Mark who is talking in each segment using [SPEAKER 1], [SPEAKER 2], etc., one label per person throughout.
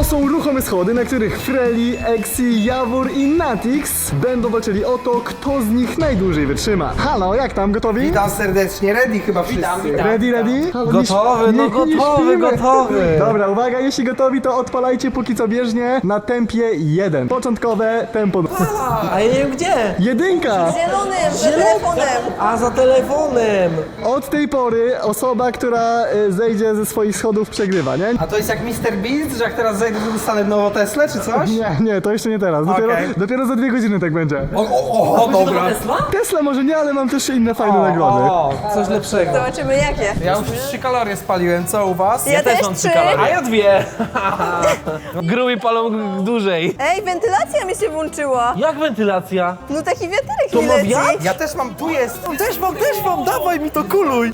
[SPEAKER 1] są ruchome schody, na których Freli, Exi, Jawór i Natix będą walczyli o to, kto z nich najdłużej wytrzyma. Halo, jak tam, gotowi?
[SPEAKER 2] Witam serdecznie, ready chyba wszyscy.
[SPEAKER 1] Ready? Halo,
[SPEAKER 3] Gotowy, no gotowy.
[SPEAKER 1] Dobra, uwaga, jeśli gotowi, to odpalajcie póki co bieżnie na tempie 1. Początkowe tempo.
[SPEAKER 3] A ja nie wiem gdzie.
[SPEAKER 1] 1.
[SPEAKER 4] Zielonym, za telefonem.
[SPEAKER 3] A za telefonem.
[SPEAKER 1] Od tej pory osoba, która zejdzie ze swoich schodów, przegrywa, nie?
[SPEAKER 2] A to jest jak Mr. Beast, że jak teraz zejdę, to dostanę nową Teslę czy coś?
[SPEAKER 1] Nie, to jeszcze nie teraz. Dopiero za 2 godziny tak będzie.
[SPEAKER 2] O, dobra.
[SPEAKER 1] Tesla może nie, ale mam też inne fajne nagrody.
[SPEAKER 3] O, coś lepszego.
[SPEAKER 4] Zobaczymy jakie.
[SPEAKER 2] Ja już 3 kalorie spaliłem, co u was?
[SPEAKER 4] Ja też 3.
[SPEAKER 3] A ja 2. Grubi palą dłużej.
[SPEAKER 4] Ej, wentylacja mi się włączyła.
[SPEAKER 3] Jak wentylacja?
[SPEAKER 4] No taki wiaterek
[SPEAKER 3] To
[SPEAKER 4] mi
[SPEAKER 3] ma
[SPEAKER 4] leci.
[SPEAKER 3] wiatr?
[SPEAKER 2] Ja też mam, tu jest.
[SPEAKER 3] Też mam, dawaj mi to kuluj.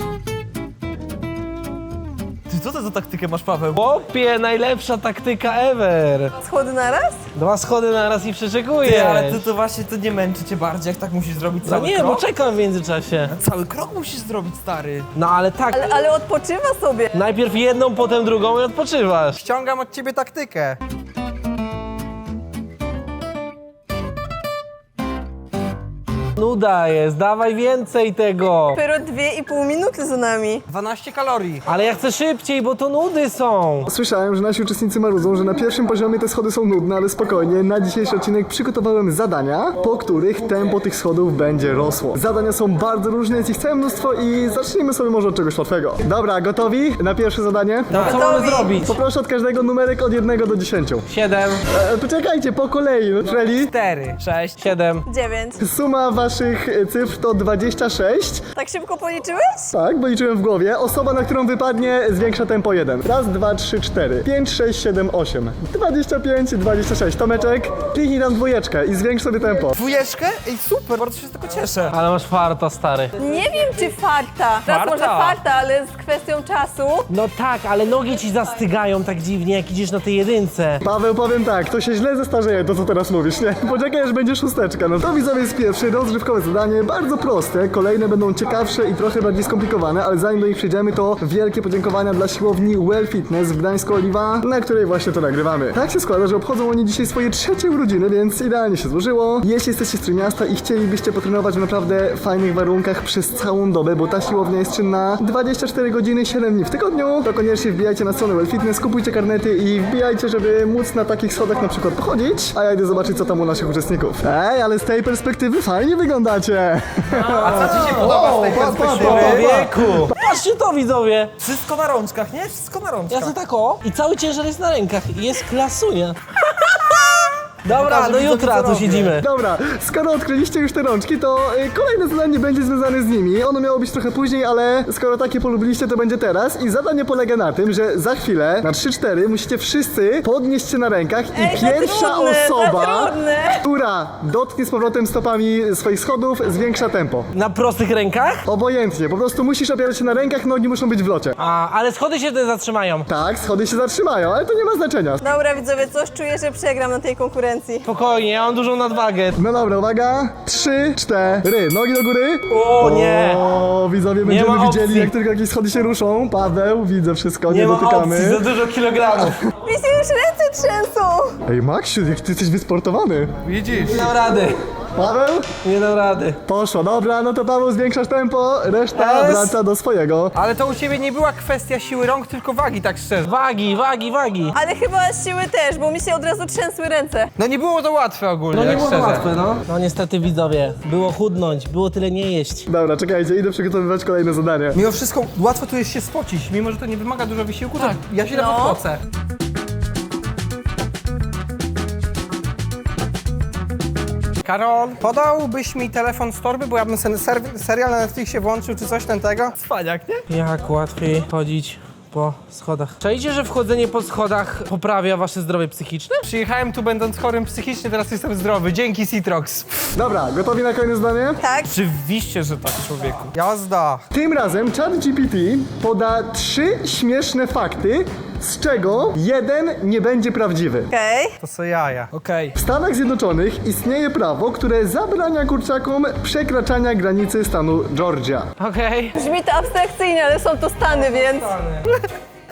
[SPEAKER 3] Ty co to za taktykę masz, Paweł? Chłopie, najlepsza taktyka ever.
[SPEAKER 4] Schody naraz?
[SPEAKER 3] 2 schody na raz i przeczekujesz.
[SPEAKER 5] Ty, ale to właśnie to nie męczy cię bardziej, jak tak musisz zrobić
[SPEAKER 3] No
[SPEAKER 5] cały
[SPEAKER 3] nie,
[SPEAKER 5] krok?
[SPEAKER 3] bo czekam w międzyczasie.
[SPEAKER 5] Cały krok musisz zrobić, stary.
[SPEAKER 3] No ale tak,
[SPEAKER 4] Ale odpoczywa sobie.
[SPEAKER 3] najpierw jedną, potem drugą i odpoczywasz.
[SPEAKER 2] Ściągam od ciebie taktykę.
[SPEAKER 3] Nuda jest, dawaj więcej tego.
[SPEAKER 4] Dopiero 2,5 minuty za nami.
[SPEAKER 2] 12 kalorii.
[SPEAKER 3] Ale ja chcę szybciej, bo to nudy są.
[SPEAKER 1] Słyszałem, że nasi uczestnicy marudzą, że na pierwszym poziomie te schody są nudne, ale spokojnie, na dzisiejszy odcinek przygotowałem zadania, po których tempo tych schodów będzie rosło. Zadania są bardzo różne, jest ich całe mnóstwo i zacznijmy sobie może od czegoś łatwego. Dobra, gotowi na pierwsze zadanie?
[SPEAKER 3] No co mamy zrobić?
[SPEAKER 1] Poproszę od każdego numerek od 1 do 10.
[SPEAKER 3] 7,
[SPEAKER 1] Poczekajcie, po kolei. Freli,
[SPEAKER 5] 4, 6.
[SPEAKER 3] 7.
[SPEAKER 4] 9.
[SPEAKER 1] suma waszych cyfr to 26.
[SPEAKER 4] Tak szybko policzyłeś?
[SPEAKER 1] Tak, bo liczyłem w głowie. Osoba, na którą wypadnie, zwiększa tempo 1. Raz, 2, 3, 4, 5, 6, 7, 8, 25, 26. Tomeczek, kliknij tam 2 i zwiększ sobie tempo.
[SPEAKER 2] 2? Ej, super, bardzo się z tego cieszę.
[SPEAKER 3] Ale masz farta, stary.
[SPEAKER 4] Nie wiem czy farta. Raz
[SPEAKER 5] Farta?
[SPEAKER 4] może farta, ale z kwestią czasu.
[SPEAKER 3] No tak, ale nogi ci zastygają tak dziwnie, jak idziesz na tej jedynce.
[SPEAKER 1] Paweł, powiem tak, to się źle zestarzeje, to co teraz mówisz, nie? Poczekaj, aż będzie 6. No to widzowie jest pierwsze, rozrywkowe zadanie, bardzo proste. Kolejne będą ciekawsze i trochę bardziej skomplikowane, ale zanim do nich przejdziemy, to wielkie podziękowania dla siłowni Well Fitness w Gdańsku Oliwa, na której właśnie to nagrywamy. Tak się składa, że obchodzą oni dzisiaj swoje 3. urodziny, więc idealnie się złożyło. Jeśli jesteście z Trójmiasta i chcielibyście potrenować w naprawdę fajnych warunkach przez całą dobę, bo ta siłownia jest czynna 24 godziny, 7 dni w tygodniu, to koniecznie wbijajcie na stronę Well Fitness, kupujcie karnety i wbijajcie, żeby móc na takich schodach na przykład pochodzić, a ja idę zobaczyć, co tam u naszych uczestników. Ej, ale z tej perspektywy fajnie wyglądacie.
[SPEAKER 2] A co ci się podoba z tej perspektywy?
[SPEAKER 3] Człowieku! Patrzcie to, widzowie!
[SPEAKER 5] Wszystko na rączkach, nie? Wszystko na
[SPEAKER 3] Ja
[SPEAKER 5] rączkach.
[SPEAKER 3] to tak o i cały ciężar jest na rękach i jest klasunia. Dobra, do jutra tu siedzimy.
[SPEAKER 1] Dobra, skoro odkryliście już te rączki, to kolejne zadanie będzie związane z nimi. Ono miało być trochę później, ale skoro takie polubiliście, to będzie teraz. I zadanie polega na tym, że za chwilę, na 3-4, musicie wszyscy podnieść się na rękach i
[SPEAKER 4] Ej, za
[SPEAKER 1] pierwsza
[SPEAKER 4] trudne, za
[SPEAKER 1] osoba,
[SPEAKER 4] trudne.
[SPEAKER 1] która dotknie z powrotem stopami swoich schodów, zwiększa tempo.
[SPEAKER 3] Na prostych rękach?
[SPEAKER 1] Obojętnie, po prostu musisz opierać się na rękach, nogi muszą być w locie.
[SPEAKER 3] Ale schody się wtedy zatrzymają.
[SPEAKER 1] Tak, schody się zatrzymają, ale to nie ma znaczenia.
[SPEAKER 4] Dobra widzowie, coś czuję, że przegram na tej konkurencji.
[SPEAKER 3] Spokojnie, ja mam dużą nadwagę.
[SPEAKER 1] No dobra, uwaga, 3, 4, nogi do góry.
[SPEAKER 3] O nie!
[SPEAKER 1] O, widzowie, będziemy
[SPEAKER 3] ma
[SPEAKER 1] widzieli,
[SPEAKER 3] opcji.
[SPEAKER 1] jak tylko jakieś schody się ruszą. Paweł, widzę wszystko, nie
[SPEAKER 3] Nie ma
[SPEAKER 1] dotykamy.
[SPEAKER 3] opcji, za dużo kilogramów.
[SPEAKER 4] Mi się już ręce trzęsą.
[SPEAKER 1] Ej, Maksiu, jak ty jesteś wysportowany.
[SPEAKER 2] Widzisz?
[SPEAKER 3] Nie dam rady,
[SPEAKER 1] Paweł?
[SPEAKER 3] nie dam rady.
[SPEAKER 1] Poszło, dobra, no to Paweł zwiększasz tempo, reszta
[SPEAKER 2] Jest.
[SPEAKER 1] wraca do swojego.
[SPEAKER 2] Ale to u ciebie nie była kwestia siły rąk, tylko wagi, tak szczerze.
[SPEAKER 3] Wagi.
[SPEAKER 4] Ale chyba siły też, bo mi się od razu trzęsły ręce.
[SPEAKER 2] No nie było to łatwe ogólnie,
[SPEAKER 3] No nie
[SPEAKER 2] tak
[SPEAKER 3] było to
[SPEAKER 2] szczerze.
[SPEAKER 3] łatwe, no. No niestety, widzowie, było chudnąć, było tyle nie jeść.
[SPEAKER 1] Dobra, czekajcie, idę przygotowywać kolejne zadanie.
[SPEAKER 2] Mimo wszystko łatwo tu jest się spocić, mimo że to nie wymaga dużo wysiłku, tak. To ja się
[SPEAKER 4] No.
[SPEAKER 2] nawet pocę. Karol, podałbyś mi telefon z torby, bo ja bym sobie serial na Netflixie włączył, czy coś ten tego? Cwaniak, nie?
[SPEAKER 3] Jak łatwiej chodzić po schodach. Czajcie, że wchodzenie po schodach poprawia wasze zdrowie psychiczne?
[SPEAKER 2] Przyjechałem tu będąc chorym psychicznie, teraz jestem zdrowy. Dzięki Citrox.
[SPEAKER 1] Dobra, gotowi na kolejne zadanie?
[SPEAKER 4] Tak?
[SPEAKER 5] Oczywiście, że tak, człowieku.
[SPEAKER 2] Jazda.
[SPEAKER 1] Tym razem ChatGPT poda 3 śmieszne fakty, z czego jeden nie będzie prawdziwy.
[SPEAKER 4] Okej.
[SPEAKER 2] To są jaja.
[SPEAKER 5] Okej.
[SPEAKER 1] W Stanach Zjednoczonych istnieje prawo, które zabrania kurczakom przekraczania granicy stanu Georgia.
[SPEAKER 3] Okej.
[SPEAKER 4] Brzmi to abstrakcyjnie, ale są to Stany, więc...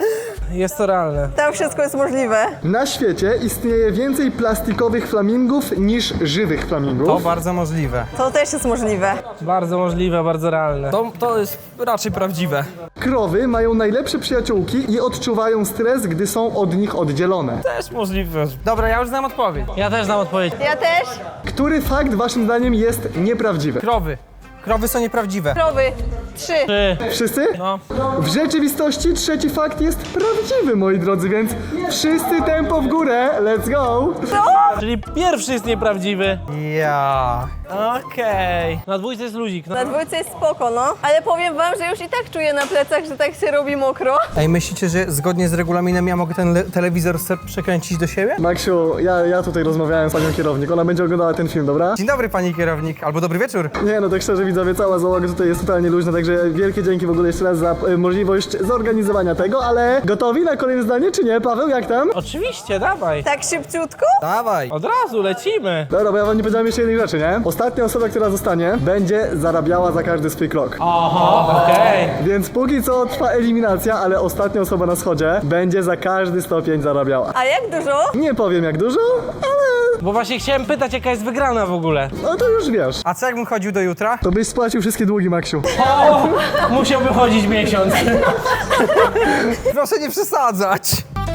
[SPEAKER 3] jest to realne.
[SPEAKER 4] Tam wszystko jest możliwe.
[SPEAKER 1] Na świecie istnieje więcej plastikowych flamingów niż żywych flamingów.
[SPEAKER 2] To bardzo możliwe.
[SPEAKER 4] To też jest możliwe.
[SPEAKER 3] Bardzo możliwe, bardzo realne.
[SPEAKER 5] To jest raczej prawdziwe.
[SPEAKER 1] Krowy mają najlepsze przyjaciółki i odczuwają stres, gdy są od nich oddzielone.
[SPEAKER 5] Też możliwe.
[SPEAKER 2] Dobra, ja już znam odpowiedź.
[SPEAKER 3] Ja też znam odpowiedź.
[SPEAKER 4] Ja też.
[SPEAKER 1] Który fakt waszym zdaniem jest nieprawdziwy?
[SPEAKER 2] Krowy. Krowy są nieprawdziwe.
[SPEAKER 4] Krowy. 3.
[SPEAKER 1] Wszyscy?
[SPEAKER 3] No.
[SPEAKER 1] W rzeczywistości trzeci fakt jest prawdziwy, moi drodzy, więc wszyscy tempo w górę, let's go!
[SPEAKER 3] Czyli pierwszy jest nieprawdziwy.
[SPEAKER 2] Ja.
[SPEAKER 3] Okej. Na dwójce jest luzik. No.
[SPEAKER 4] Na dwójce jest spoko, no. Ale powiem wam, że już i tak czuję na plecach, że tak się robi mokro.
[SPEAKER 2] Ej, myślicie, że zgodnie z regulaminem ja mogę ten telewizor przekręcić do siebie?
[SPEAKER 1] Maksiu, ja tutaj rozmawiałem z panią kierownik, ona będzie oglądała ten film, dobra?
[SPEAKER 2] Dzień dobry, pani kierownik, albo dobry wieczór.
[SPEAKER 1] Nie, no tak szczerze widzowie, cała załoga tutaj jest totalnie luźna, także wielkie dzięki w ogóle jeszcze raz za możliwość zorganizowania tego, ale gotowi na kolejne zdanie, czy nie? Paweł, jak tam?
[SPEAKER 3] Oczywiście, dawaj.
[SPEAKER 4] Tak szybciutko?
[SPEAKER 2] Dawaj.
[SPEAKER 3] Od razu lecimy.
[SPEAKER 1] Dobra, bo ja wam nie powiedziałem jeszcze jednej rzeczy, nie? Ostatnia osoba, która zostanie, będzie zarabiała za każdy swój krok.
[SPEAKER 3] Oho, okej.
[SPEAKER 1] Więc póki co trwa eliminacja, ale ostatnia osoba na schodzie będzie za każdy stopień zarabiała.
[SPEAKER 4] A jak dużo?
[SPEAKER 1] Nie powiem jak dużo, ale
[SPEAKER 3] Bo właśnie chciałem pytać, jaka jest wygrana w ogóle.
[SPEAKER 1] no to już wiesz.
[SPEAKER 2] A co jakbym chodził do jutra?
[SPEAKER 1] To byś spłacił wszystkie długi, Maksiu.
[SPEAKER 3] O, musiałby chodzić miesiąc.
[SPEAKER 2] Proszę nie przesadzać.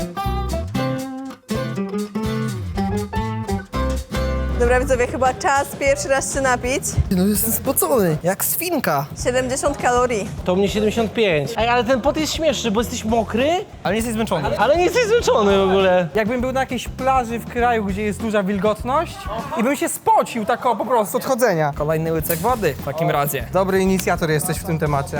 [SPEAKER 4] Dobra widzowie, chyba czas pierwszy raz się napić.
[SPEAKER 2] No jestem spocony, jak swinka.
[SPEAKER 4] 70 kalorii.
[SPEAKER 3] To mnie 75. Ej, ale ten pot jest śmieszny, bo jesteś mokry,
[SPEAKER 2] Ale nie jesteś zmęczony.
[SPEAKER 3] ale nie jesteś zmęczony w ogóle.
[SPEAKER 2] Jakbym był na jakiejś plaży w kraju, gdzie jest duża wilgotność i bym się spocił tak o po prostu od chodzenia.
[SPEAKER 5] Kolejny łycek wody w takim razie.
[SPEAKER 2] Dobry inicjator jesteś w tym temacie.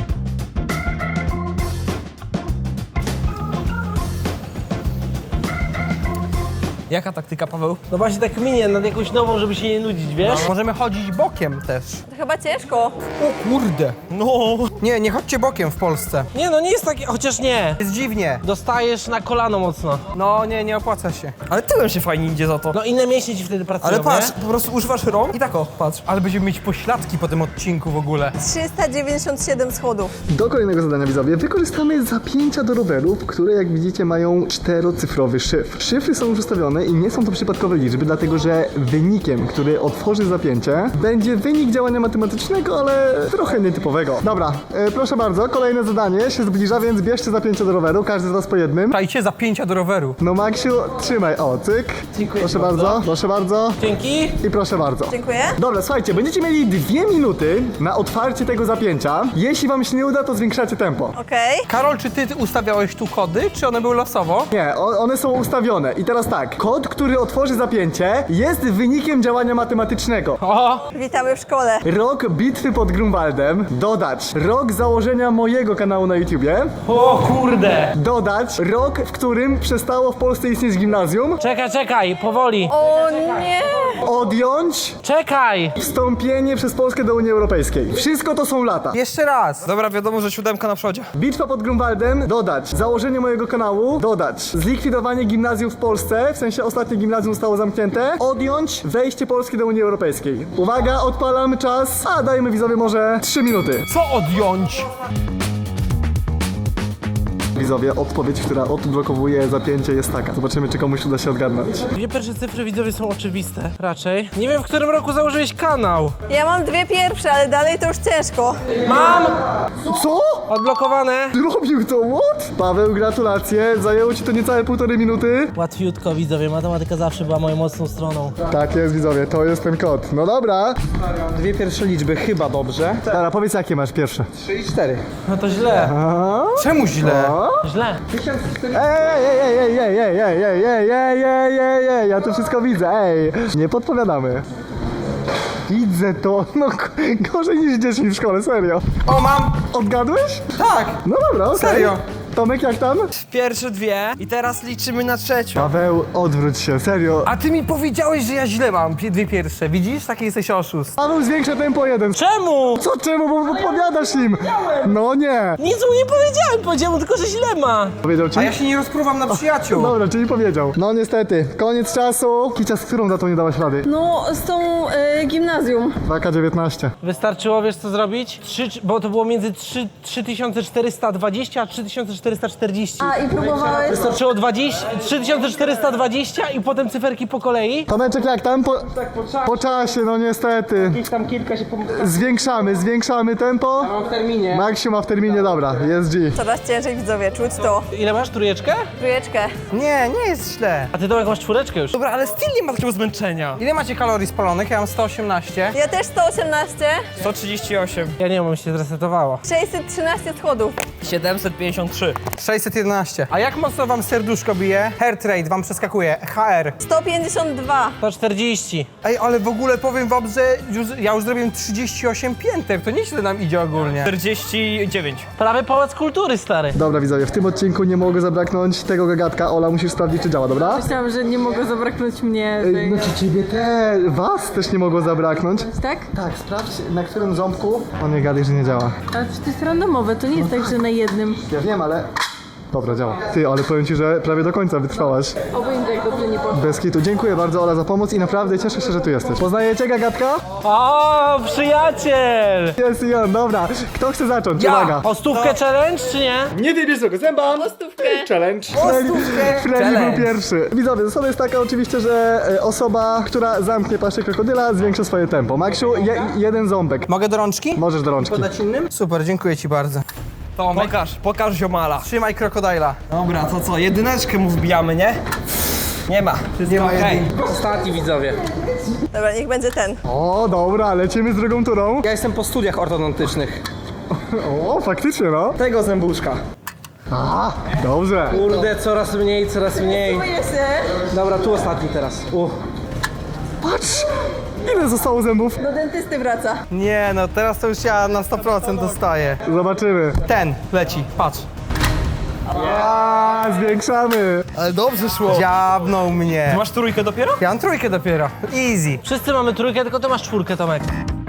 [SPEAKER 5] Jaka taktyka, Paweł?
[SPEAKER 3] No właśnie tak minie nad jakąś nową, żeby się nie nudzić, wiesz?
[SPEAKER 2] Możemy chodzić bokiem też.
[SPEAKER 4] To chyba ciężko.
[SPEAKER 2] O kurde. No. Nie chodźcie bokiem w Polsce.
[SPEAKER 3] Nie no, nie jest takie, chociaż nie.
[SPEAKER 2] Jest dziwnie.
[SPEAKER 3] Dostajesz na kolano mocno.
[SPEAKER 2] No nie opłaca się.
[SPEAKER 5] Ale tyłem się fajnie idzie za to.
[SPEAKER 3] No inne mięśnie ci wtedy pracują,
[SPEAKER 2] Ale patrz,
[SPEAKER 3] nie?
[SPEAKER 2] po prostu używasz rąk i tak o, patrz. Ale będziemy mieć pośladki po tym odcinku w ogóle.
[SPEAKER 4] 397 schodów.
[SPEAKER 1] Do kolejnego zadania, widzowie, wykorzystamy zapięcia do rowerów, które jak widzicie mają 4-cyfrowy szyfr. Szyfry są już ustawione i nie są to przypadkowe liczby, dlatego że wynikiem, który otworzy zapięcie, będzie wynik działania matematycznego, ale trochę nietypowego. Dobra, proszę bardzo, kolejne zadanie się zbliża, więc bierzcie zapięcia do roweru, każdy z was po jednym.
[SPEAKER 2] Czajcie zapięcia do roweru.
[SPEAKER 1] No Maksiu, trzymaj, o, cyk.
[SPEAKER 3] Dziękuję
[SPEAKER 1] Proszę
[SPEAKER 3] bardzo.
[SPEAKER 1] bardzo, proszę bardzo
[SPEAKER 3] Dzięki.
[SPEAKER 1] i proszę bardzo.
[SPEAKER 4] Dziękuję.
[SPEAKER 1] Dobra, słuchajcie, będziecie mieli 2 minuty na otwarcie tego zapięcia. Jeśli wam się nie uda, to zwiększacie tempo.
[SPEAKER 4] Okej.
[SPEAKER 2] Karol, czy ty ustawiałeś tu kody, czy one były losowo?
[SPEAKER 1] Nie, one są ustawione. I teraz tak, kod, który otworzy zapięcie, jest wynikiem działania matematycznego.
[SPEAKER 3] O,
[SPEAKER 4] Witamy w szkole.
[SPEAKER 1] Rok bitwy pod Grunwaldem, dodać rok założenia mojego kanału na YouTubie,
[SPEAKER 3] o kurde.
[SPEAKER 1] dodać rok, w którym przestało w Polsce istnieć gimnazjum,
[SPEAKER 3] Czekaj, powoli.
[SPEAKER 4] O nie!
[SPEAKER 1] odjąć
[SPEAKER 3] Czekaj.
[SPEAKER 1] wstąpienie przez Polskę do Unii Europejskiej. Wszystko to są lata.
[SPEAKER 2] Jeszcze raz.
[SPEAKER 5] Dobra, wiadomo, że 7 na przodzie.
[SPEAKER 1] Bitwa pod Grunwaldem, dodać założenie mojego kanału, dodać zlikwidowanie gimnazjum w Polsce, w sensie ostatnie gimnazjum zostało zamknięte, odjąć wejście Polski do Unii Europejskiej. Uwaga, odpalam czas, a dajmy widzowie może 3 minuty.
[SPEAKER 2] Co odjąć?
[SPEAKER 1] Widzowie, odpowiedź, która odblokowuje zapięcie jest taka. Zobaczymy, czy komuś uda się odgadnąć.
[SPEAKER 3] Dwie pierwsze cyfry widzowie są oczywiste, raczej. Nie wiem, w którym roku założyłeś kanał.
[SPEAKER 4] Ja mam dwie pierwsze, ale dalej to już ciężko.
[SPEAKER 3] Mam!
[SPEAKER 1] Co?
[SPEAKER 3] Odblokowane.
[SPEAKER 1] Zrobił to? What? Paweł, gratulacje. Zajęło ci to niecałe 1,5 minuty.
[SPEAKER 3] Łatwiutko widzowie, matematyka zawsze była moją mocną stroną.
[SPEAKER 1] Tak jest, widzowie, to jest ten kod. No dobra.
[SPEAKER 2] Dwie pierwsze liczby, chyba dobrze.
[SPEAKER 1] Dobra, powiedz, jakie masz pierwsze.
[SPEAKER 2] 3 i 4.
[SPEAKER 3] No to źle.
[SPEAKER 2] Czemu źle?
[SPEAKER 3] Źle.
[SPEAKER 1] Ej, ja to wszystko widzę, ej. Nie podpowiadamy. Widzę to, no gorzej niż dzieci w szkole, serio.
[SPEAKER 2] O, mam!
[SPEAKER 1] Odgadłeś?
[SPEAKER 2] Tak!
[SPEAKER 1] No dobra, okej.
[SPEAKER 2] Serio?
[SPEAKER 1] Tomek, jak tam?
[SPEAKER 5] Pierwsze dwie i teraz liczymy na trzecią.
[SPEAKER 1] Paweł, odwróć się, serio.
[SPEAKER 2] A ty mi powiedziałeś, że ja źle mam dwie pierwsze. Widzisz? Taki jesteś oszust.
[SPEAKER 1] Paweł, zwiększa tempo 1.
[SPEAKER 3] Czemu?
[SPEAKER 1] Co czemu? Bo podpowiadasz im. No nie.
[SPEAKER 3] Nic mu nie powiedziałem, powiedziałem tylko, że źle ma.
[SPEAKER 1] Powiedział ci?
[SPEAKER 2] A ja się nie rozpruwam na przyjaciół.
[SPEAKER 1] Dobra, czyli powiedział. No niestety, koniec czasu. Kicia, z którą datą nie dałaś rady?
[SPEAKER 4] No, z tą gimnazjum.
[SPEAKER 1] 2K19.
[SPEAKER 3] Wystarczyło, wiesz co zrobić? Bo to było między 3420 a 3420. 3440.
[SPEAKER 4] A, i próbowałeś?
[SPEAKER 3] Wystarczyło 3420 i potem cyferki po kolei.
[SPEAKER 1] Tomeczek, jak tam? Po czasie, no niestety.
[SPEAKER 2] Tam kilka się
[SPEAKER 1] Zwiększamy tempo.
[SPEAKER 2] w terminie.
[SPEAKER 1] Maksiu ma w terminie, dobra, jest G.
[SPEAKER 4] Coraz ciężej, widzowie, czuć to.
[SPEAKER 3] Ile masz? Trójeczkę?
[SPEAKER 4] Trójeczkę.
[SPEAKER 2] Nie jest źle.
[SPEAKER 3] A ty Tomek masz czwóreczkę już.
[SPEAKER 5] Dobra, ale styl nie ma takiego zmęczenia.
[SPEAKER 2] Ile macie kalorii spalonych? Ja mam 118.
[SPEAKER 4] Ja też 118,
[SPEAKER 5] 138.
[SPEAKER 3] Ja nie mam, się zresetowało.
[SPEAKER 4] 613 schodów.
[SPEAKER 5] 753.
[SPEAKER 2] 611. A jak mocno wam serduszko bije? Heart rate wam przeskakuje. HR.
[SPEAKER 4] 152.
[SPEAKER 3] 140.
[SPEAKER 2] Ej, ale w ogóle powiem wam, że ja już zrobiłem 38 pięter. To nieźle nam idzie ogólnie.
[SPEAKER 5] 49.
[SPEAKER 3] Prawie pałac kultury, stary.
[SPEAKER 1] Dobra widzowie, w tym odcinku nie mogło zabraknąć tego gagatka. Ola, musisz sprawdzić, czy działa, dobra?
[SPEAKER 6] Myślałam, że nie mogło zabraknąć mnie.
[SPEAKER 1] Znaczy ciebie was też nie mogło zabraknąć.
[SPEAKER 6] Tak?
[SPEAKER 1] Tak, sprawdź na którym ząbku. On nie gadaj, że nie działa.
[SPEAKER 6] Ale to jest randomowe, to nie jest tak, że na jednym.
[SPEAKER 1] Ja wiem, ale... Dobra, działa. Ty, ale powiem ci, że prawie do końca wytrwałaś.
[SPEAKER 6] Oby im tak dobrze nie poszło.
[SPEAKER 1] Bez kitu. Dziękuję bardzo, Ola, za pomoc i naprawdę cieszę się, że tu jesteś. Poznajecie gagatka?
[SPEAKER 3] O, przyjaciel!
[SPEAKER 1] Jest i on, dobra. Kto chce zacząć?
[SPEAKER 2] Ja.
[SPEAKER 1] Uwaga.
[SPEAKER 3] O stówkę challenge, czy nie?
[SPEAKER 1] Nie wybierz tego zęba.
[SPEAKER 4] Stówkę.
[SPEAKER 1] Challenge. Freddy był pierwszy. Widzowie, zasada jest taka oczywiście, że osoba, która zamknie paszczę krokodyla, zwiększa swoje tempo. Maksiu, jeden ząbek.
[SPEAKER 2] Mogę do rączki?
[SPEAKER 1] Możesz do rączki.
[SPEAKER 2] Podać innym? Super, dziękuję ci bardzo.
[SPEAKER 5] Tomek. Pokaż ziomala.
[SPEAKER 2] Trzymaj krokodyla.
[SPEAKER 5] Dobra, to co? Jedyneczkę mu wbijamy, nie? Nie ma.
[SPEAKER 2] Nie ma
[SPEAKER 5] Okej.
[SPEAKER 2] Ostatni widzowie.
[SPEAKER 4] Dobra, niech będzie ten.
[SPEAKER 1] O, dobra, lecimy z drugą turą.
[SPEAKER 2] Ja jestem po studiach ortodontycznych.
[SPEAKER 1] O, faktycznie, no.
[SPEAKER 2] Tego zębuszka.
[SPEAKER 1] A, dobrze.
[SPEAKER 2] Kurde, coraz mniej.
[SPEAKER 4] Czuję się.
[SPEAKER 2] Dobra, tu ostatni teraz.
[SPEAKER 1] Patrz, ile zostało zębów.
[SPEAKER 4] Do dentysty wraca.
[SPEAKER 2] Nie no, teraz to już ja na 100% dostaję.
[SPEAKER 1] Zobaczymy.
[SPEAKER 2] Ten leci, patrz.
[SPEAKER 1] A, zwiększamy.
[SPEAKER 2] Ale dobrze szło. Dziabnął mnie.
[SPEAKER 5] Ty masz trójkę dopiero?
[SPEAKER 2] Ja mam trójkę dopiero. Easy.
[SPEAKER 3] Wszyscy mamy trójkę, tylko ty masz czwórkę, Tomek.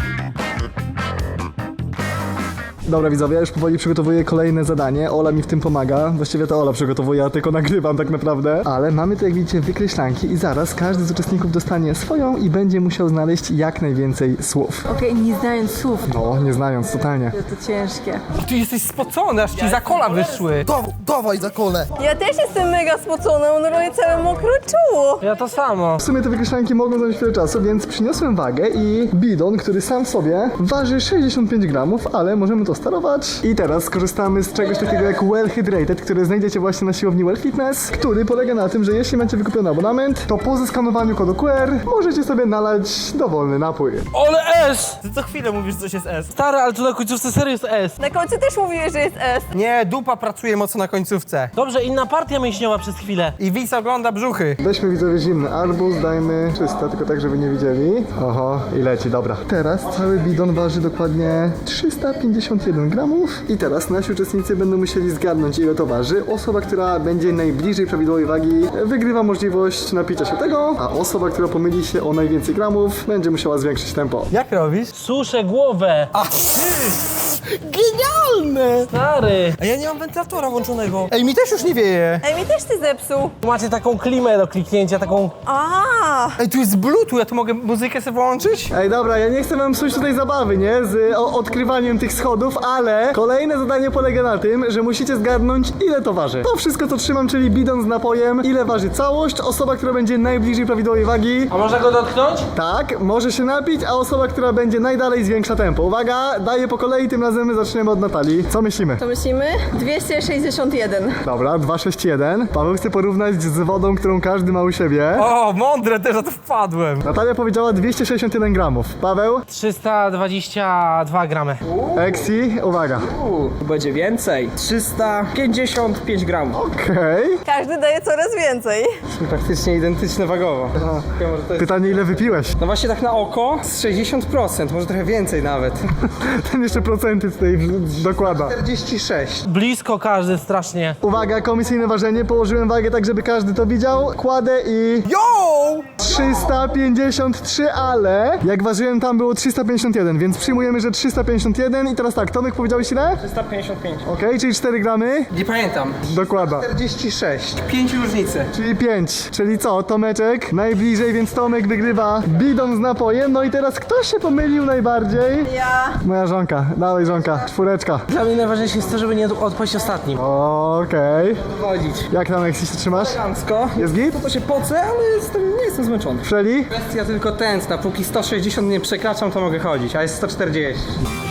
[SPEAKER 1] Dobra widzowie, ja już powoli przygotowuję kolejne zadanie. Ola mi w tym pomaga. Właściwie to Ola przygotowuje, ja tylko nagrywam tak naprawdę. Ale mamy tu, jak widzicie, wykreślanki i zaraz każdy z uczestników dostanie swoją i będzie musiał znaleźć jak najwięcej słów.
[SPEAKER 6] Okej, nie znając słów,
[SPEAKER 1] No, nie znając, totalnie.
[SPEAKER 6] to ciężkie.
[SPEAKER 2] Ty jesteś spocony, aż ci za kola wyszły.
[SPEAKER 1] Dawaj za kole.
[SPEAKER 4] Ja też jestem mega spocona, normalnie całe mokre czuło.
[SPEAKER 3] Ja to samo.
[SPEAKER 1] W sumie te wykreślanki mogą zająć chwilę czasu, więc przyniosłem wagę i bidon, który sam w sobie waży 65 gramów, ale możemy to sterować. I teraz skorzystamy z czegoś takiego jak Well Hydrated, który znajdziecie właśnie na siłowni Well Fitness, który polega na tym, że jeśli macie wykupiony abonament, to po zeskanowaniu kodu QR możecie sobie nalać dowolny napój.
[SPEAKER 3] Ole S!
[SPEAKER 5] Ty co chwilę mówisz, że coś jest S.
[SPEAKER 3] Stary, ale to na końcówce serio jest S.
[SPEAKER 4] Na końcu też mówiłeś, że jest S.
[SPEAKER 2] Nie, dupa pracuje mocno na końcówce.
[SPEAKER 3] Dobrze, inna partia mięśniowa przez chwilę.
[SPEAKER 2] I widz ogląda brzuchy.
[SPEAKER 1] Weźmy widzowie zimny arbuz, dajmy 300, tylko tak, żeby nie widzieli. Oho, i leci, dobra. Teraz cały bidon waży dokładnie 351 gramów. I teraz nasi uczestnicy będą musieli zgadnąć, ile to waży. Osoba, która będzie najbliżej prawidłowej wagi, wygrywa możliwość napicia się tego, a osoba, która pomyli się o najwięcej gramów, będzie musiała zwiększyć tempo.
[SPEAKER 2] Jak robisz?
[SPEAKER 3] Suszę głowę.
[SPEAKER 2] Genialne!
[SPEAKER 3] Stary.
[SPEAKER 5] A ja nie mam wentylatora włączonego.
[SPEAKER 2] Ej, mi też już nie wieje.
[SPEAKER 4] Ej, mi też ty zepsuł.
[SPEAKER 3] Tu macie taką klimę do kliknięcia, taką...
[SPEAKER 4] A,
[SPEAKER 2] Ej, tu jest Bluetooth, ja tu mogę muzykę sobie włączyć?
[SPEAKER 1] Ej, dobra, ja nie chcę wam psuć tutaj zabawy, nie? Z odkrywaniem tych schodów, ale kolejne zadanie polega na tym, że musicie zgadnąć, ile to waży. To wszystko, co trzymam, czyli bidon z napojem, ile waży całość, osoba, która będzie najbliżej prawidłowej wagi,
[SPEAKER 3] A można go dotknąć?
[SPEAKER 1] tak, może się napić, a osoba, która będzie najdalej, zwiększa tempo. Uwaga, daję po kolei, tym razem zaczniemy od Natalii. Co myślimy?
[SPEAKER 4] to myślimy? 261.
[SPEAKER 1] Dobra, 261. Paweł chce porównać z wodą, którą każdy ma u siebie.
[SPEAKER 2] O, mądre, też na to wpadłem.
[SPEAKER 1] Natalia powiedziała 261 gramów. Paweł,
[SPEAKER 3] 322 gramy.
[SPEAKER 1] Exi, uwaga.
[SPEAKER 2] Będzie więcej. 355 gramów.
[SPEAKER 1] Okej.
[SPEAKER 4] Każdy daje coraz więcej.
[SPEAKER 2] Praktycznie identyczne wagowo. Może to jest...
[SPEAKER 1] Pytanie, ile wypiłeś?
[SPEAKER 2] No właśnie tak na oko z 60%, może trochę więcej nawet.
[SPEAKER 1] Ten jeszcze procenty tutaj dokłada.
[SPEAKER 2] 46.
[SPEAKER 3] Blisko każdy strasznie.
[SPEAKER 1] Uwaga, komisyjne ważenie. Położyłem wagę tak, żeby każdy to widział. Kładę i...
[SPEAKER 2] Yo!
[SPEAKER 1] 353, ale jak ważyłem tam było 351, więc przyjmujemy, że 351 i teraz tak, Tomek powiedziałeś ile?
[SPEAKER 5] 355.
[SPEAKER 1] Okej, czyli 4 gramy?
[SPEAKER 2] Nie pamiętam.
[SPEAKER 1] Dokładna.
[SPEAKER 5] 46.
[SPEAKER 2] 5 różnicy.
[SPEAKER 1] Czyli 5, czyli co? Tomeczek najbliżej, więc Tomek wygrywa bidą z napojem. No i teraz kto się pomylił najbardziej?
[SPEAKER 4] Ja.
[SPEAKER 1] Moja żonka, dawaj żonka, 4.
[SPEAKER 3] Dla mnie najważniejsze jest to, żeby nie odpaść ostatnim.
[SPEAKER 1] Okej.
[SPEAKER 5] Chodzić.
[SPEAKER 1] Jak tam, jak się trzymasz?
[SPEAKER 5] Elegancko.
[SPEAKER 1] Jest git?
[SPEAKER 5] To się pocę, ale nie jestem zmęczony.
[SPEAKER 1] Szeli?
[SPEAKER 2] Kwestia tylko tętna. Póki 160 nie przekraczam, to mogę chodzić, a jest 140.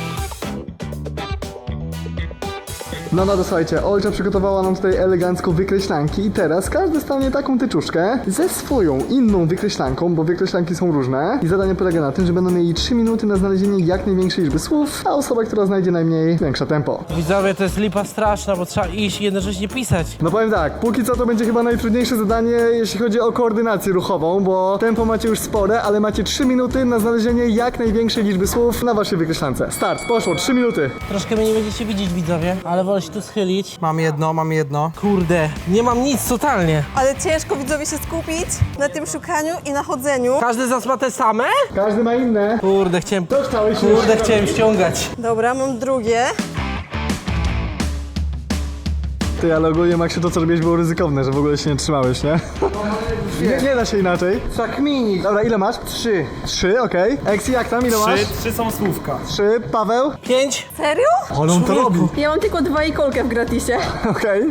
[SPEAKER 1] No, to słuchajcie, Olcia przygotowała nam tutaj elegancko wykreślanki i teraz każdy dostanie taką tyczuszkę ze swoją inną wykreślanką, bo wykreślanki są różne i zadanie polega na tym, że będą mieli 3 minuty na znalezienie jak największej liczby słów, a osoba, która znajdzie najmniej, większe tempo.
[SPEAKER 3] Widzowie, to jest lipa straszna, bo trzeba iść i jednocześnie pisać.
[SPEAKER 1] No powiem tak, póki co to będzie chyba najtrudniejsze zadanie, jeśli chodzi o koordynację ruchową, bo tempo macie już spore, ale macie 3 minuty na znalezienie jak największej liczby słów na waszej wykreślance. Start, poszło, 3 minuty.
[SPEAKER 3] Troszkę mnie nie będziecie widzieć, widzowie, ale wolę się tu schylić.
[SPEAKER 2] Mam jedno.
[SPEAKER 3] Kurde, nie mam nic totalnie.
[SPEAKER 4] Ale ciężko widzowie się skupić na tym szukaniu i na chodzeniu.
[SPEAKER 3] Każdy z nas ma te same?
[SPEAKER 1] Każdy ma inne.
[SPEAKER 3] Kurde, chciałem ściągać.
[SPEAKER 4] Dobra, mam drugie.
[SPEAKER 1] Ty, ale ogólnie Maksiu, to co robiłeś było ryzykowne, że w ogóle się nie trzymałeś, nie? Nie da się inaczej.
[SPEAKER 2] Tak mini.
[SPEAKER 1] Dobra, ile masz?
[SPEAKER 2] 3.
[SPEAKER 1] 3, okej. Eksi, jak tam? Ile masz?
[SPEAKER 5] 3 są słówka.
[SPEAKER 1] 3, Paweł?
[SPEAKER 3] 5.
[SPEAKER 4] Serio?
[SPEAKER 1] Ale on to robi.
[SPEAKER 6] Ja mam tylko 2 i kolkę w gratisie.
[SPEAKER 1] Okej.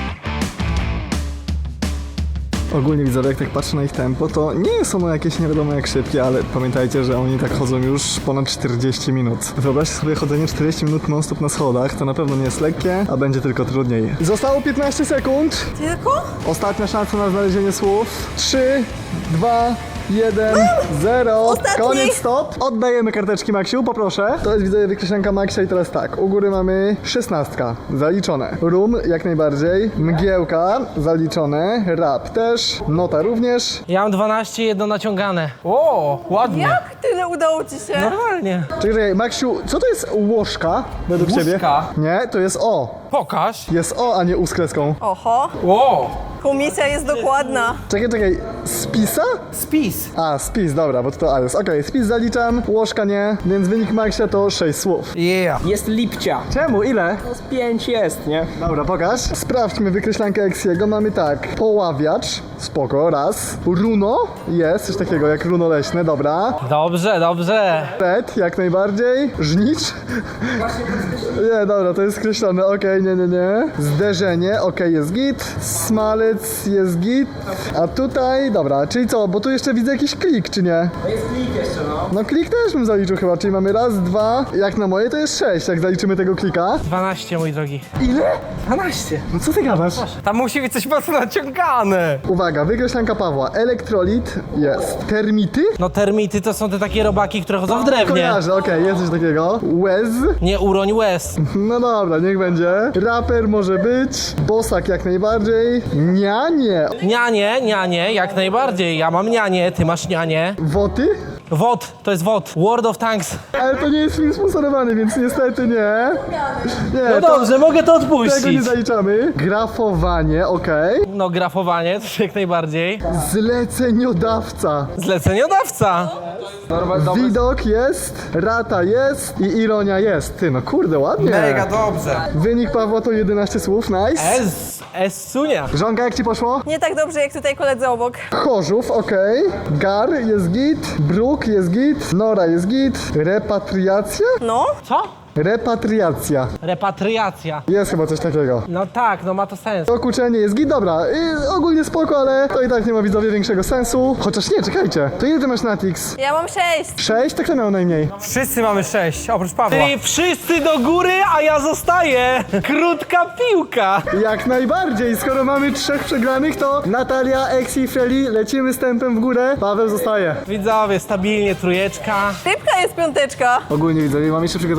[SPEAKER 1] Ogólnie widzowie, jak tak patrzę na ich tempo, to nie są jakieś nie wiadomo jak szybkie, ale pamiętajcie, że oni tak chodzą już ponad 40 minut. Wyobraźcie sobie chodzenie 40 minut non-stop na schodach, to na pewno nie jest lekkie, a będzie tylko trudniej. Zostało 15 sekund.
[SPEAKER 4] Tylko?
[SPEAKER 1] Ostatnia szansa na znalezienie słów. 3, 2, 1, 0.
[SPEAKER 4] Ostatni.
[SPEAKER 1] Koniec, stop. Oddajemy karteczki Maksiu, poproszę. To jest widzowie wykreślanka Maksia i teraz tak. U góry mamy 16. Zaliczone. Rum jak najbardziej. Mgiełka zaliczone. Rap też. Nota również.
[SPEAKER 3] Ja mam 12, jedno naciągane.
[SPEAKER 2] O, ładnie.
[SPEAKER 4] Jak tyle udało ci się?
[SPEAKER 3] Normalnie.
[SPEAKER 1] Czekaj, Maksiu, co to jest łożka według ciebie?
[SPEAKER 2] Łuszka?
[SPEAKER 1] Nie, to jest O.
[SPEAKER 2] Pokaż.
[SPEAKER 1] Jest O, a nie U z kreską.
[SPEAKER 4] Oho,
[SPEAKER 2] O,
[SPEAKER 4] komisja jest dokładna.
[SPEAKER 1] Czekaj. Spisa?
[SPEAKER 2] spis.
[SPEAKER 1] A, spis, dobra, bo to A jest. Okej, spis zaliczam, łożka nie, więc wynik Maksia to 6 słów.
[SPEAKER 2] Yeah.
[SPEAKER 5] Jest lipcia.
[SPEAKER 1] Czemu? Ile?
[SPEAKER 5] Z 5 jest, nie?
[SPEAKER 1] Dobra, pokaż. Sprawdźmy wykreślankę Eksiego. Mamy tak, poławiacz, spoko, raz. Runo, jest, coś takiego jak runo leśne, dobra.
[SPEAKER 3] Dobrze.
[SPEAKER 1] Pet, jak najbardziej. Żnicz. Nie, dobra, to jest skreślone, okej, nie. Zderzenie, okej, jest git. Smalec jest git. A tutaj, dobra, czyli co, bo tu jeszcze widzę jakiś klik, czy nie?
[SPEAKER 5] Jest klik jeszcze, no.
[SPEAKER 1] No klik też bym zaliczył chyba, czyli mamy raz, dwa, jak na moje to jest 6, jak zaliczymy tego klika.
[SPEAKER 3] 12, mój drogi.
[SPEAKER 1] Ile?
[SPEAKER 3] 12.
[SPEAKER 1] No co ty gadasz?
[SPEAKER 2] Tam musi być coś mocno naciągane.
[SPEAKER 1] Uwaga, wykreślanka Pawła. Elektrolit jest. Termity?
[SPEAKER 3] No termity to są te takie robaki, które chodzą w drewnie.
[SPEAKER 1] Kojarzę, okej, jest coś takiego. Łez?
[SPEAKER 3] Nie uroń łez.
[SPEAKER 1] No dobra, niech będzie. Raper może być. Bosak jak najbardziej. Nianie.
[SPEAKER 3] Nianie, jak najbardziej. Ja mam nianie, ty masz nianie.
[SPEAKER 1] Woty?
[SPEAKER 3] WOT, to jest WOT. World of Tanks.
[SPEAKER 1] Ale to nie jest film sponsorowany, więc niestety nie. Nie,
[SPEAKER 3] No
[SPEAKER 1] to
[SPEAKER 3] dobrze, mogę to
[SPEAKER 1] tego nie
[SPEAKER 3] odpuścić.
[SPEAKER 1] zaliczamy. Grafowanie, okej.
[SPEAKER 3] No grafowanie, to jak najbardziej.
[SPEAKER 1] Zleceniodawca.
[SPEAKER 3] Zleceniodawca.
[SPEAKER 1] Widok jest. Rata jest. I ironia jest. Ty, no kurde, ładnie.
[SPEAKER 2] Mega dobrze.
[SPEAKER 1] Wynik Pawła to 11 słów, nice.
[SPEAKER 3] Sunia.
[SPEAKER 1] Żonka, jak ci poszło?
[SPEAKER 4] Nie tak dobrze jak tutaj koledzy obok.
[SPEAKER 1] Chorzów, okej. Gar jest git. Bruk jest git. Nora jest git. Repatriacja?
[SPEAKER 4] No,
[SPEAKER 3] Co?
[SPEAKER 1] Repatriacja.
[SPEAKER 3] Repatriacja.
[SPEAKER 1] Jest chyba coś takiego.
[SPEAKER 3] No tak, no ma to sens.
[SPEAKER 1] Dokuczenie jest git, dobra. Ogólnie spoko, ale to i tak nie ma widzowie większego sensu. Chociaż nie, czekajcie. To ile ty masz Natix?
[SPEAKER 4] ja mam 6.
[SPEAKER 1] 6? Tak to miał najmniej.
[SPEAKER 2] Wszyscy mamy 6, oprócz Pawła.
[SPEAKER 3] Czyli wszyscy do góry, a ja zostaję. Krótka piłka.
[SPEAKER 1] Jak najbardziej. Skoro mamy 3 przegranych, to Natalia, Eksi i Freli lecimy z tempem w górę. Paweł zostaje.
[SPEAKER 3] Widzowie, stabilnie trójeczka.
[SPEAKER 4] Rybka jest 5.
[SPEAKER 1] Ogólnie widzowie, mam jeszcze przygotowanych parę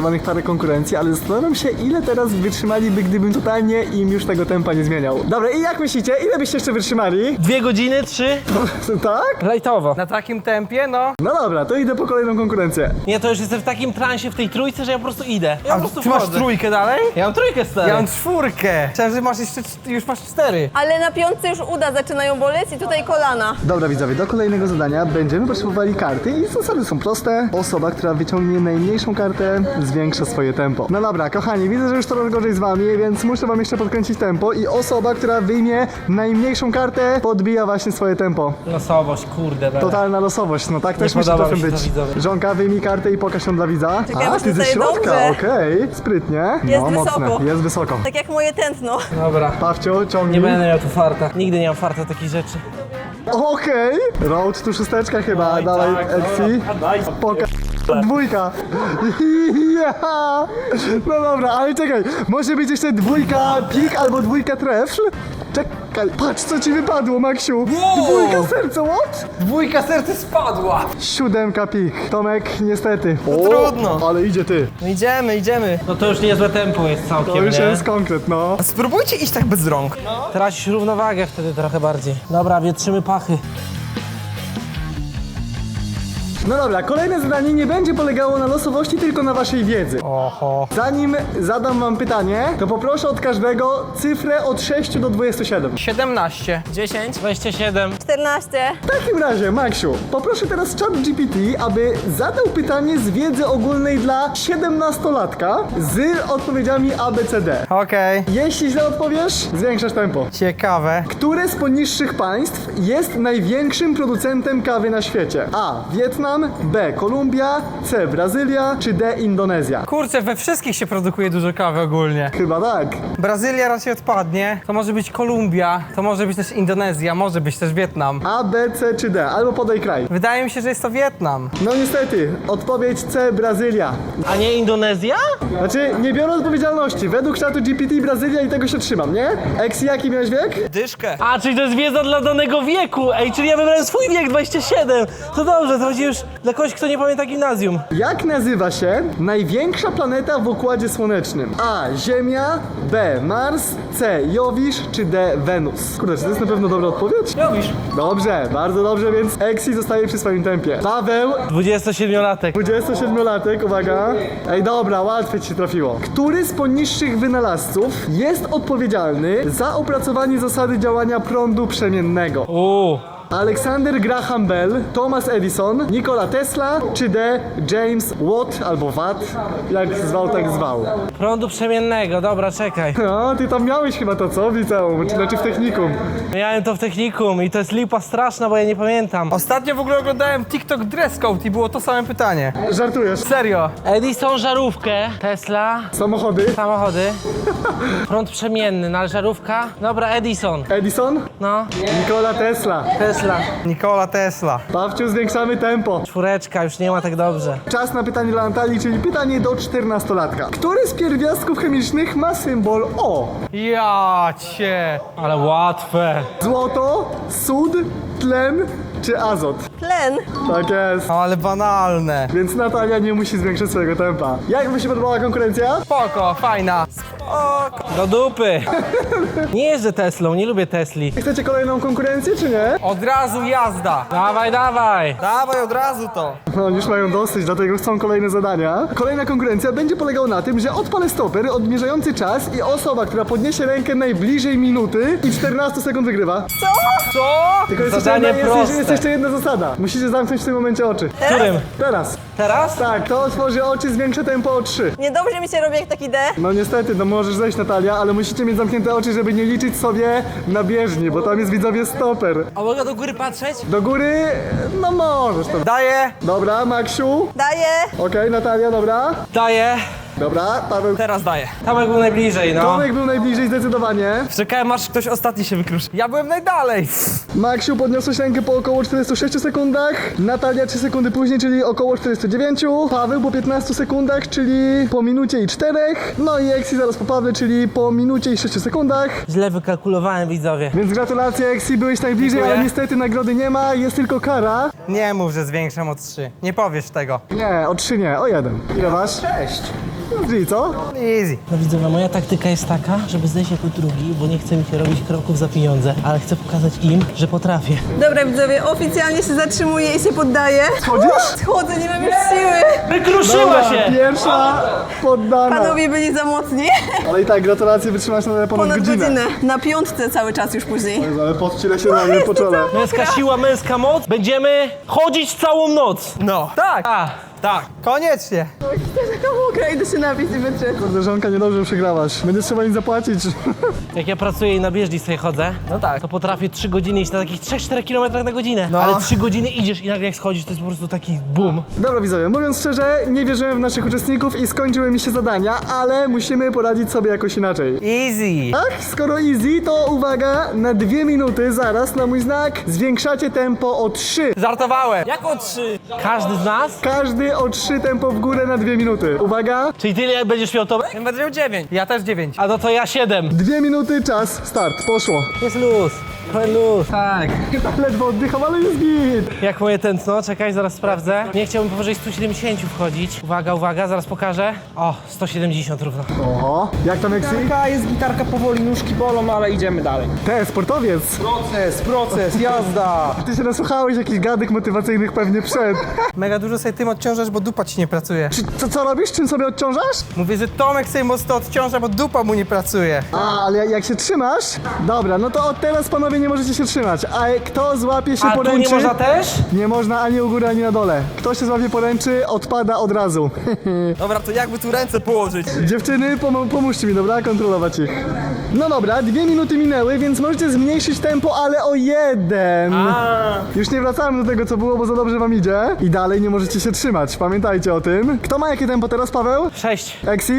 [SPEAKER 1] konkurencji, ale zastanawiam się, ile teraz wytrzymaliby, gdybym totalnie im już tego tempa nie zmieniał. Dobra, i jak myślicie, ile byście jeszcze wytrzymali?
[SPEAKER 3] 2 godziny, 3?
[SPEAKER 1] Tak?
[SPEAKER 3] Lajtowo.
[SPEAKER 2] Na takim tempie, no.
[SPEAKER 1] No dobra, to idę po kolejną konkurencję.
[SPEAKER 3] Nie, to już jestem w takim transie w tej trójce, że ja po prostu idę. Ja po prostu
[SPEAKER 2] ty masz
[SPEAKER 3] wchodzę.
[SPEAKER 2] trójkę dalej?
[SPEAKER 3] Ja mam trójkę, stary.
[SPEAKER 2] Ja mam 4. Myślałem, że masz jeszcze, już masz 4.
[SPEAKER 4] Ale na piątce już uda zaczynają boleć i tutaj kolana.
[SPEAKER 1] Dobra widzowie, do kolejnego zadania będziemy potrzebowali karty i zasady są proste. Osoba, która wyciągnie najmniejszą kartę, zwiększa swoje tempo. No dobra, kochani, widzę, że już coraz gorzej z wami, więc muszę wam jeszcze podkręcić tempo i osoba, która wyjmie najmniejszą kartę, podbija właśnie swoje tempo.
[SPEAKER 3] Losowość, kurde. Bele.
[SPEAKER 1] Totalna losowość, no tak też myślę,
[SPEAKER 3] podoba
[SPEAKER 1] że
[SPEAKER 3] mi się
[SPEAKER 1] być.
[SPEAKER 3] to, widzowie.
[SPEAKER 1] Żonka, wyjmij kartę i pokaż ją dla widza.
[SPEAKER 4] Czekaj,
[SPEAKER 1] A,
[SPEAKER 4] aż
[SPEAKER 1] ty ze
[SPEAKER 4] tutaj
[SPEAKER 1] środka,
[SPEAKER 4] dobrze.
[SPEAKER 1] okej, sprytnie.
[SPEAKER 4] Jest
[SPEAKER 1] No,
[SPEAKER 4] wysoko.
[SPEAKER 1] mocne, jest wysoko.
[SPEAKER 4] Tak jak moje tętno.
[SPEAKER 3] Dobra.
[SPEAKER 1] Pawcio, ciągnij.
[SPEAKER 3] Nie będę miał tu farta. Nigdy nie mam farta takich rzeczy.
[SPEAKER 1] Okej. Road tu szósteczka chyba, dawaj, Exi. Poka... Dwójka. Ja. No dobra, ale czekaj, może być jeszcze dwójka pik albo dwójka trefl? Czekaj, patrz co ci wypadło, Maksiu. Dwójka serca, what?
[SPEAKER 2] 2 serce spadła.
[SPEAKER 1] 7 pik. Tomek, niestety. O,
[SPEAKER 2] trudno.
[SPEAKER 1] Ale idzie ty.
[SPEAKER 2] No idziemy.
[SPEAKER 3] No to już niezłe tempo jest całkiem,
[SPEAKER 1] To już
[SPEAKER 3] nie?
[SPEAKER 1] jest konkret, no.
[SPEAKER 2] A spróbujcie iść tak bez rąk.
[SPEAKER 3] Tracisz równowagę wtedy trochę bardziej. Dobra, wietrzymy pachy.
[SPEAKER 1] No dobra, kolejne zadanie nie będzie polegało na losowości, tylko na waszej wiedzy.
[SPEAKER 2] Oho.
[SPEAKER 1] Zanim zadam wam pytanie, to poproszę od każdego cyfrę od 6 do 27.
[SPEAKER 2] 17.
[SPEAKER 3] 10, 27.
[SPEAKER 4] 14.
[SPEAKER 1] W takim razie, Maksiu, poproszę teraz ChatGPT, aby zadał pytanie z wiedzy ogólnej dla 17-latka z odpowiedziami ABCD.
[SPEAKER 2] Okej.
[SPEAKER 1] Jeśli źle odpowiesz, zwiększasz tempo.
[SPEAKER 2] Ciekawe.
[SPEAKER 1] Które z poniższych państw jest największym producentem kawy na świecie? A. Wietnam, B. Kolumbia, C. Brazylia, czy D. Indonezja?
[SPEAKER 2] Kurczę, we wszystkich się produkuje dużo kawy ogólnie.
[SPEAKER 1] Chyba tak.
[SPEAKER 2] Brazylia raczej odpadnie, to może być Kolumbia, to może być też Indonezja, może być też Wietnam.
[SPEAKER 1] A, B, C czy D? Albo podaj kraj.
[SPEAKER 2] Wydaje mi się, że jest to Wietnam.
[SPEAKER 1] No niestety, odpowiedź C. Brazylia.
[SPEAKER 3] A nie Indonezja?
[SPEAKER 1] Znaczy, nie biorę odpowiedzialności. Według czatu GPT Brazylia i tego się trzymam, nie? Eksi, jaki miałeś wiek?
[SPEAKER 2] Dyszkę.
[SPEAKER 3] A, czyli to jest wiedza dla danego wieku. Ej, czyli ja wybrałem swój wiek, 27. To dobrze, to chodzi już dla kogoś, kto nie pamięta gimnazjum.
[SPEAKER 1] Jak nazywa się największa planeta w Układzie Słonecznym? A. Ziemia, B. Mars, C. Jowisz, czy D. Wenus? Kurde, czy to jest na pewno dobra odpowiedź?
[SPEAKER 3] Jowisz.
[SPEAKER 1] Dobrze, bardzo dobrze, więc Eksi zostaje przy swoim tempie. Paweł,
[SPEAKER 3] 27-latek.
[SPEAKER 1] 27-latek, uwaga. Ej, dobra, łatwiej ci się trafiło. Który z poniższych wynalazców jest odpowiedzialny za opracowanie zasady działania prądu przemiennego? Alexander Graham Bell, Thomas Edison, Nikola Tesla, czy D. James Watt albo Watt? Jak zwał, tak zwał.
[SPEAKER 3] Prądu przemiennego, dobra, czekaj.
[SPEAKER 1] No, ty tam miałeś chyba to, co? W liceum, znaczy w technikum.
[SPEAKER 3] Miałem to w technikum i to jest lipa straszna, bo ja nie pamiętam.
[SPEAKER 2] Ostatnio w ogóle oglądałem TikTok Dress Code i było to same pytanie.
[SPEAKER 1] Żartujesz.
[SPEAKER 2] Serio.
[SPEAKER 3] Edison żarówkę, Tesla,
[SPEAKER 1] Samochody.
[SPEAKER 3] samochody, prąd przemienny, no ale żarówka. Dobra, Edison.
[SPEAKER 1] Edison?
[SPEAKER 3] No,
[SPEAKER 1] Nikola Tesla.
[SPEAKER 3] Tesla.
[SPEAKER 2] Nikola Tesla.
[SPEAKER 1] Pawciu, zwiększamy tempo.
[SPEAKER 3] 4, już nie ma tak dobrze.
[SPEAKER 1] Czas na pytanie dla Natalii, czyli pytanie do 14-latka. Który z pierwiastków chemicznych ma symbol O?
[SPEAKER 2] Ja cię.
[SPEAKER 3] Ale łatwe.
[SPEAKER 1] Złoto, sód, tlen czy azot?
[SPEAKER 4] Tlen.
[SPEAKER 1] Tak jest.
[SPEAKER 2] Ale banalne.
[SPEAKER 1] Więc Natalia nie musi zwiększać swojego tempa. Jak wam się podobała konkurencja?
[SPEAKER 2] Spoko, fajna.
[SPEAKER 3] Do dupy. Nie jeżdżę Teslą, nie lubię Tesli.
[SPEAKER 1] Chcecie kolejną konkurencję, czy nie?
[SPEAKER 2] Od razu jazda.
[SPEAKER 3] Dawaj, dawaj.
[SPEAKER 2] Dawaj od razu to.
[SPEAKER 1] No, już mają dosyć, dlatego chcą kolejne zadania. Kolejna konkurencja będzie polegała na tym, że odpalę stoper odmierzający czas i osoba, która podniesie rękę najbliżej minuty i 14 sekund wygrywa.
[SPEAKER 2] Co?
[SPEAKER 1] Tylko jest
[SPEAKER 3] Zadanie
[SPEAKER 1] jeszcze,
[SPEAKER 3] proste.
[SPEAKER 1] jest jeszcze jedna zasada. Musicie zamknąć w tym momencie oczy.
[SPEAKER 3] Którym?
[SPEAKER 1] Teraz.
[SPEAKER 3] Teraz?
[SPEAKER 1] Tak, kto otworzy oczy, zwiększę tempo o 3.
[SPEAKER 4] Niedobrze mi się robi jak taki D.
[SPEAKER 1] No niestety, no możesz zejść Natalia, ale musicie mieć zamknięte oczy, żeby nie liczyć sobie na bieżni, bo tam jest widzowie stoper.
[SPEAKER 3] A mogę do góry patrzeć?
[SPEAKER 1] Do góry, no możesz to.
[SPEAKER 2] Daję.
[SPEAKER 1] Dobra, Maksiu.
[SPEAKER 4] Daję.
[SPEAKER 1] Okej, Natalia, dobra.
[SPEAKER 3] Daję.
[SPEAKER 1] Dobra, Paweł.
[SPEAKER 2] Teraz daję.
[SPEAKER 3] Tomek był najbliżej, no.
[SPEAKER 1] Tomek był najbliżej zdecydowanie.
[SPEAKER 2] Czekałem aż ktoś ostatni się wykruszy. Ja byłem najdalej.
[SPEAKER 1] Maksiu, podniosłeś rękę po około 46 sekundach. Natalia 3 sekundy później, czyli około 49. Paweł po 15 sekundach, czyli po minucie i 4. No i Eksi zaraz po Pawle, czyli po minucie i 6 sekundach.
[SPEAKER 3] Źle wykalkulowałem, widzowie.
[SPEAKER 1] Więc gratulacje Eksi, byłeś najbliżej,
[SPEAKER 2] Dziękuję.
[SPEAKER 1] ale niestety nagrody nie ma, jest tylko kara.
[SPEAKER 2] Nie mów, że zwiększam o 3. Nie powiesz tego.
[SPEAKER 1] Nie, o 3 nie, o 1. Ile masz? 6. Czyli co?
[SPEAKER 2] Easy.
[SPEAKER 3] No widzowie, moja taktyka jest taka, żeby zejść jako drugi, bo nie chce mi się robić kroków za pieniądze, ale chcę pokazać im, że potrafię.
[SPEAKER 6] Dobra widzowie, oficjalnie się zatrzymuję i się poddaję.
[SPEAKER 1] Schodzisz?
[SPEAKER 6] Schodzę, nie mam już siły.
[SPEAKER 3] Wykruszyła się!
[SPEAKER 1] Pierwsza poddana.
[SPEAKER 6] Panowie byli za mocni.
[SPEAKER 1] Ale i tak, gratulacje, wytrzymasz na ponad godzinę.
[SPEAKER 6] Na piątce cały czas już później.
[SPEAKER 1] Ale podcile się na mnie po czole.
[SPEAKER 3] Męska siła, męska moc. Będziemy chodzić całą noc.
[SPEAKER 2] No. Tak. Tak. Koniecznie.
[SPEAKER 6] Taka mokra, idę się napić i wytrzeć.
[SPEAKER 1] Kurde, żonka, niedobrze przegrałaś. Będzie trzeba im zapłacić.
[SPEAKER 3] Jak ja pracuję i na bieżni sobie chodzę,
[SPEAKER 2] No tak.
[SPEAKER 3] to potrafię 3 godziny iść na takich 3-4 km na godzinę.
[SPEAKER 2] No.
[SPEAKER 3] Ale 3 godziny idziesz i nagle jak schodzisz, to jest po prostu taki boom.
[SPEAKER 1] Dobra widzowie, mówiąc szczerze, nie wierzyłem w naszych uczestników i skończyły mi się zadania, ale musimy poradzić sobie jakoś inaczej.
[SPEAKER 2] Easy.
[SPEAKER 1] Tak, skoro easy, to uwaga, na 2 minuty zaraz na mój znak zwiększacie tempo o 3.
[SPEAKER 2] Żartowałem.
[SPEAKER 3] Jak o 3? Każdy z nas?
[SPEAKER 1] Każdy o 3 tempo w górę na 2 minuty. Uwaga,
[SPEAKER 3] Czyli tyle jak będziesz miał to?
[SPEAKER 2] Będę miał 9. Ja też 9.
[SPEAKER 3] A no to ja 7.
[SPEAKER 1] 2 minuty, czas, start, poszło.
[SPEAKER 3] Jest luz. Trochę luz.
[SPEAKER 2] Tak.
[SPEAKER 1] Ledwo oddycham, ale jest git.
[SPEAKER 3] Jak moje tętno? Czekaj, zaraz sprawdzę. Nie chciałbym powyżej 170 wchodzić. Uwaga, uwaga, zaraz pokażę. O, 170 równo.
[SPEAKER 1] Oho, jak tam Eksy?
[SPEAKER 5] Jest gitarka powoli, nóżki bolą, ale idziemy dalej.
[SPEAKER 1] Te, sportowiec.
[SPEAKER 5] Proces, jazda.
[SPEAKER 1] Ty się nasłuchałeś jakichś gadek motywacyjnych pewnie przed.
[SPEAKER 2] Mega dużo sobie tym odciążasz, bo dupa ci nie pracuje.
[SPEAKER 1] Co robisz? Czym sobie odciążasz?
[SPEAKER 2] Mówię, że Tomek sobie mocno odciąża, bo dupa mu nie pracuje.
[SPEAKER 1] A, ale jak się trzymasz? Dobra, no to od teraz panowie nie możecie się trzymać. A kto złapie się
[SPEAKER 3] A tu
[SPEAKER 1] poręczy?
[SPEAKER 3] nie można też?
[SPEAKER 1] Nie można ani u góry, ani na dole. Kto się złapie poręczy, odpada od razu.
[SPEAKER 2] Dobra, to jakby tu ręce położyć?
[SPEAKER 1] Dziewczyny, pomóżcie mi, dobra? Kontrolować ich. No dobra, 2 minuty minęły, więc możecie zmniejszyć tempo, ale o 1. Już nie wracamy do tego, co było, bo za dobrze wam idzie. I dalej nie możecie się trzymać. Pamiętajcie o tym. Kto ma jakie tempo teraz, Paweł?
[SPEAKER 3] 6.
[SPEAKER 1] Exi?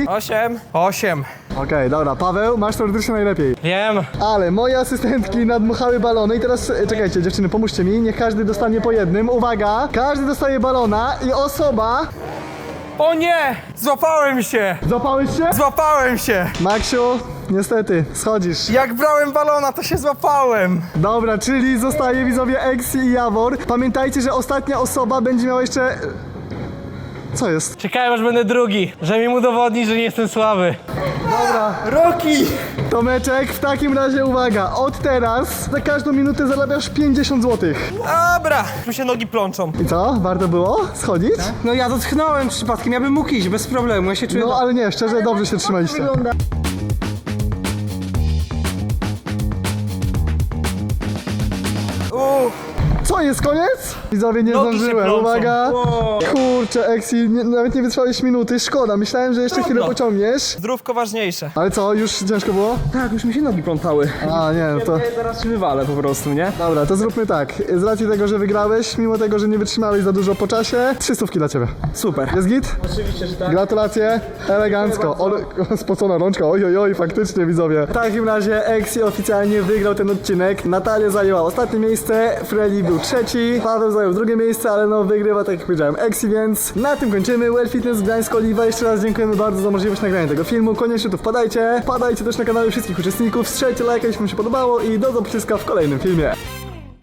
[SPEAKER 2] 8.
[SPEAKER 1] Okej, dobra. Paweł, masz teoretycznie najlepiej.
[SPEAKER 3] Wiem.
[SPEAKER 1] Ale moje asystentki nadmuchały balony i teraz, czekajcie dziewczyny, pomóżcie mi, niech każdy dostanie po jednym. Uwaga, każdy dostaje balona i osoba...
[SPEAKER 2] O nie! Złapałem się!
[SPEAKER 1] Złapałeś się?
[SPEAKER 2] Złapałem się!
[SPEAKER 1] Maksiu, niestety, schodzisz.
[SPEAKER 2] Jak brałem balona, to się złapałem!
[SPEAKER 1] Dobra, czyli zostaje widzowie Exi i Jawor. Pamiętajcie, że ostatnia osoba będzie miała jeszcze... Co jest?
[SPEAKER 3] Czekałem aż będę drugi, że mi udowodni, że nie jestem słaby.
[SPEAKER 2] Roki!
[SPEAKER 1] Tomeczek, w takim razie uwaga, od teraz za każdą minutę zarabiasz 50 zł.
[SPEAKER 2] Dobra! Tu się nogi plączą.
[SPEAKER 1] I co? Warto było schodzić?
[SPEAKER 2] No ja dotknąłem przypadkiem, ja bym mógł iść, bez problemu, ja się czuję...
[SPEAKER 1] No ale nie, szczerze, dobrze się trzymaliście. Co, jest koniec? Widzowie, nie
[SPEAKER 3] Nogi się
[SPEAKER 1] zdążyłem,
[SPEAKER 3] plączą.
[SPEAKER 1] uwaga. Kurczę, Exi, nawet nie wytrwałeś minuty, szkoda, myślałem, że jeszcze chwilę pociągniesz.
[SPEAKER 2] Zdrówko ważniejsze.
[SPEAKER 1] Ale co, już ciężko było?
[SPEAKER 5] Tak, już mi się nogi plątały.
[SPEAKER 1] A, nie, no to...
[SPEAKER 5] Teraz się wywalę po prostu, nie?
[SPEAKER 1] Dobra, to zróbmy tak. Z racji tego, że wygrałeś, mimo tego, że nie wytrzymałeś za dużo po czasie, 300 dla ciebie.
[SPEAKER 5] Super.
[SPEAKER 1] Jest git?
[SPEAKER 5] Oczywiście, że tak.
[SPEAKER 1] Gratulacje, elegancko. Spocona rączka, oj, faktycznie widzowie. W takim razie Exi oficjalnie wygrał ten odcinek. Natalia zajęła ostatnie miejsce, Freddy był trzeci, Paweł zajął drugie miejsce, ale no wygrywa, tak jak powiedziałem, Exi, więc na tym kończymy. Well Fitness Gdańsk Oliwa. Jeszcze raz dziękujemy bardzo za możliwość nagrania tego filmu. Koniecznie tu wpadajcie. Wpadajcie też na kanały wszystkich uczestników, strzelcie lajka, jeśli wam się podobało i do zobaczenia w kolejnym filmie.